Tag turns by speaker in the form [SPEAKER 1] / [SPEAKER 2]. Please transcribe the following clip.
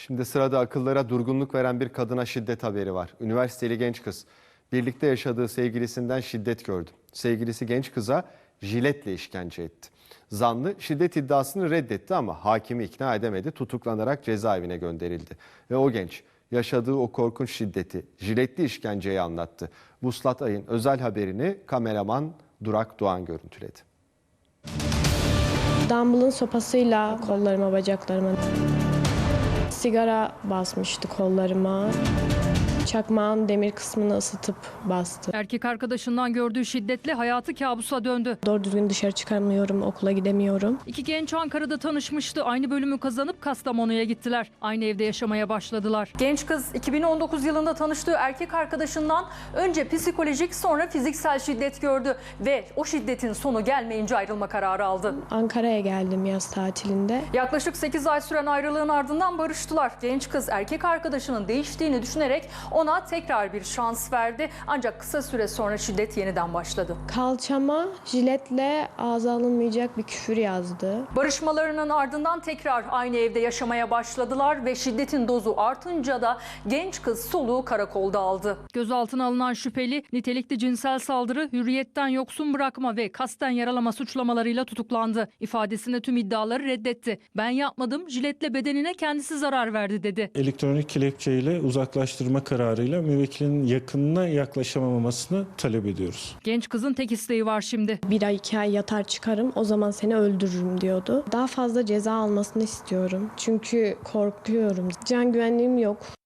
[SPEAKER 1] Şimdi sırada akıllara durgunluk veren bir kadına şiddet haberi var. Üniversiteli genç kız birlikte yaşadığı sevgilisinden şiddet gördü. Sevgilisi genç kıza jiletle işkence etti. Zanlı şiddet iddiasını reddetti ama hakimi ikna edemedi. Tutuklanarak cezaevine gönderildi. Ve o genç yaşadığı o korkunç şiddeti, jiletli işkenceyi anlattı. Vuslat Ay'ın özel haberini kameraman Durak Doğan görüntüledi.
[SPEAKER 2] Dumbbell'ın sopasıyla kollarıma, bacaklarıma, sigara basmıştı kollarıma. Çakmağın demir kısmını ısıtıp bastı.
[SPEAKER 3] Erkek arkadaşından gördüğü şiddetle hayatı kabusa döndü.
[SPEAKER 2] Doğru düzgün dışarı çıkamıyorum, okula gidemiyorum.
[SPEAKER 3] İki genç Ankara'da tanışmıştı. Aynı bölümü kazanıp Kastamonu'ya gittiler. Aynı evde yaşamaya başladılar. Genç kız 2019 yılında tanıştığı erkek arkadaşından önce psikolojik sonra fiziksel şiddet gördü ve o şiddetin sonu gelmeyince ayrılma kararı aldı.
[SPEAKER 2] Ankara'ya geldim yaz tatilinde.
[SPEAKER 3] Yaklaşık 8 ay süren ayrılığın ardından barıştılar. Genç kız erkek arkadaşının değiştiğini düşünerek ona tekrar bir şans verdi. Ancak kısa süre sonra şiddet yeniden başladı.
[SPEAKER 2] Kalçama jiletle ağza alınmayacak bir küfür yazdı.
[SPEAKER 3] Barışmalarının ardından tekrar aynı evde yaşamaya başladılar ve şiddetin dozu artınca da genç kız soluğu karakolda aldı. Gözaltına alınan şüpheli nitelikli cinsel saldırı, hürriyetten yoksun bırakma ve kasten yaralama suçlamalarıyla tutuklandı. İfadesinde tüm iddiaları reddetti. Ben yapmadım, jiletle bedenine kendisi zarar verdi dedi.
[SPEAKER 4] Elektronik kelepçeyle uzaklaştırma kararıyla müvekkilin yakınına yaklaşamamasını talep ediyoruz.
[SPEAKER 3] Genç kızın tek isteği var şimdi.
[SPEAKER 2] 1 ay 2 ay yatar çıkarım, o zaman seni öldürürüm diyordu. Daha fazla ceza almasını istiyorum. Çünkü korkuyorum. Can güvenliğim yok.